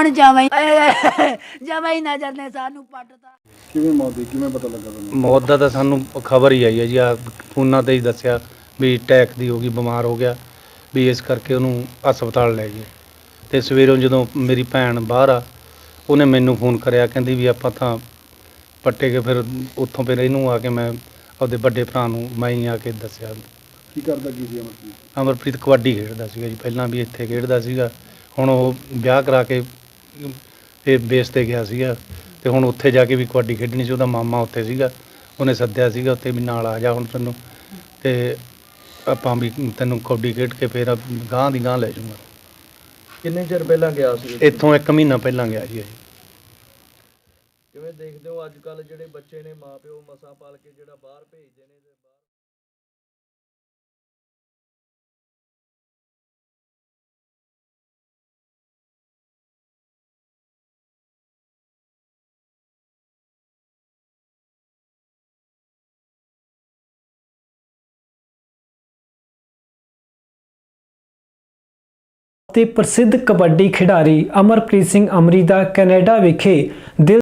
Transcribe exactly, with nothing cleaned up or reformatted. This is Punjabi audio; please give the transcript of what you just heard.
ਹੁਣ ਜਮਾਈ ਜਮਾਈ ਨਜ਼ਰ ਨੇ ਸਾਨੂੰ ਪੱਟਤਾ। ਕਿਵੇਂ ਮੌਤ ਦੀ ਕਿਵੇਂ ਪਤਾ ਲੱਗਾ ਤੁਹਾਨੂੰ? ਮੌਤ ਦਾ ਤਾਂ ਸਾਨੂੰ ਖਬਰ ਹੀ ਆਈ ਹੈ ਜੀ, ਆ ਫੋਨਾਂ ਤੇ ਹੀ ਦੱਸਿਆ ਵੀ ਅਟੈਕ ਦੀ ਹੋ ਗਈ, ਬਿਮਾਰ ਹੋ ਗਿਆ ਵੀ, ਇਸ ਕਰਕੇ ਉਹਨੂੰ ਹਸਪਤਾਲ ਲੈ ਗਏ। ਤੇ ਸਵੇਰੋਂ ਜਦੋਂ ਮੇਰੀ ਭੈਣ ਬਾਹਰ ਆ, ਉਹਨੇ ਮੈਨੂੰ ਫੋਨ ਕਰਿਆ, ਕਹਿੰਦੀ ਵੀ ਆਪਾਂ ਤਾਂ ਪੱਟੇ ਕੇ ਫਿਰ ਉੱਥੋਂ ਫਿਰ ਇਹਨੂੰ ਆ ਕੇ ਮੈਂ ਆਪਦੇ ਵੱਡੇ ਭਰਾ ਨੂੰ ਮੈਂ ਹੀ ਆ ਕੇ ਦੱਸਿਆ। ਕੀ ਕਰਦਾ ਕੀ ਸੀ ਅਮਰਜੀਤ? ਅਮਰਪ੍ਰੀਤ ਕਬੱਡੀ ਖੇਡਦਾ ਸੀਗਾ ਜੀ, ਪਹਿਲਾਂ ਵੀ ਇੱਥੇ ਖੇਡਦਾ ਸੀਗਾ। ਹੁਣ ਉਹ ਵਿਆਹ ਕਰਾ ਕੇ ਇਹ ਬੇਸ 'ਤੇ ਗਿਆ ਸੀਗਾ ਤੇ ਹੁਣ ਉੱਥੇ ਜਾ ਕੇ ਵੀ ਕਬੱਡੀ ਖੇਡਣੀ ਸੀ। ਉਹਦਾ ਮਾਮਾ ਉੱਥੇ ਸੀਗਾ, ਉਹਨੇ ਸੱਦਿਆ ਸੀਗਾ ਉੱਥੇ ਵੀ ਨਾਲ ਆ ਜਾ ਹੁਣ ਤੈਨੂੰ, ਤੇ ਆਪਾਂ ਵੀ ਤੈਨੂੰ ਕਬੱਡੀ ਖੇਡ ਕੇ ਫਿਰ ਗਾਂਹ ਦੀ ਗਾਂਹ ਲੈ ਜਾਊਂਗਾ। ਕਿੰਨੇ ਚਿਰ ਪਹਿਲਾਂ ਗਿਆ ਸੀ? ਇੱਥੋਂ ਇੱਕ ਮਹੀਨਾ ਪਹਿਲਾਂ ਗਿਆ ਜੀ। ਕਿਵੇਂ ਦੇਖਦੇ ਹੋ ਅੱਜ ਕੱਲ ਜਿਹੜੇ ਬੱਚੇ ਨੇ ਮਾਪਿਓ ਮਸਾਂ ਪਾਲ ਕੇ ਜਿਹੜਾ ਬਾਹਰ ਭੇਜਦੇ ਨੇ ਤੇ ਬਾਹਰ ਤੇ ਪ੍ਰਸਿੱਧ ਕਬੱਡੀ ਖਿਡਾਰੀ ਅਮਰਪ੍ਰੀਤ ਸਿੰਘ ਅਮਰੀ ਦਾ ਕੈਨੇਡਾ ਵਿਖੇ ਦਿਲ